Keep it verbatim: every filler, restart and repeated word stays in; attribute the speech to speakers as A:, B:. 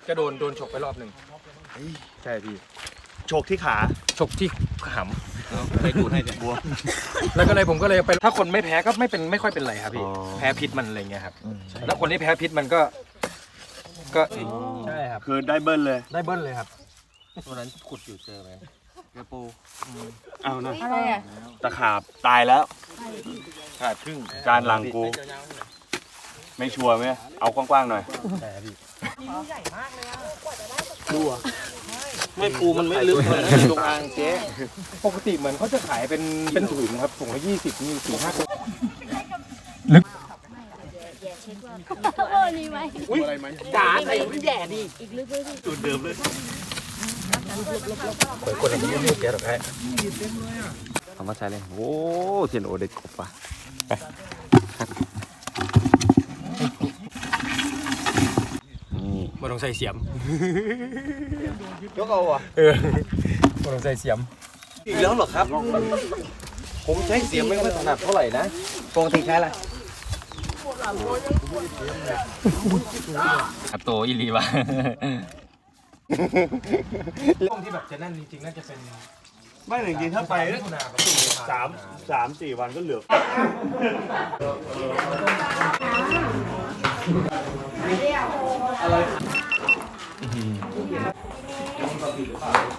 A: ก็โดนโดนฉกไปรอบหนึ่งใช่พี่
B: โชคที่ขา
A: ฉกที่ห
B: ำไปดูให้เนี่ยบวม
A: แล้วก็เลยผมก็เลยไปถ้าคนไม่แพ้ก็ไม่เป็นไม่ค่อยเป็นไรครับพี่แพ้พิษมันอะไรเงี้ยครับแล้วคนที่แพ้พิษมันก็ก็ใช่ครับ
B: คือได้เบิ้ลเลย
A: ได้เบิ้ลเลยครับ
C: ตัวนั้นขุดอยู่เจอไหมเรือปู
B: เอานะ
D: อะไรอ่ะ
B: ตะขาบตายแล้ว
A: ขาดครึ่ง
B: การหลังกูไม่ชัวร์ไหมเอากว้างๆหน่อย
A: ใช่พี่
D: ใหญ่มากเลยอ่ะ
C: ดูอ่ะไม่ปูมันไม่ลึกเลยตรงอ่างเจ๊
A: ปกติเหมือนเขาจะขายเป็นเป็นถุงครับถุงละยี่สิบมีสี่ห้าตัวลึก
D: โอ้นี่ไหม
C: อุ้ยจ๋าใส่ไม่แย่ดิ
D: อีกลึกเลยดิ
B: จุดเดิมเลย
A: เปิดคนละนี้ไม่เสียหรอกแพ้
C: เอามาใช้เลยโอ้เทียนโอเด็กกบว่ะ
A: นี่มาลองใส่เสียม
C: ยกเอาอ่ะ
A: เออมาลองใส่เสียม
C: อีกแล้วเหรอครับผมใช้เสียมไม่ค่อยถนัดเท่าไหร่นะปกติใช้อะไร
A: อัตโตอิลีวะช่วงที่แบบจะนั่นจริงๆน่าจะเป็น
B: ไม่จริงๆถ้าไปสามสามสี่วันก็เหลือ
D: อะไร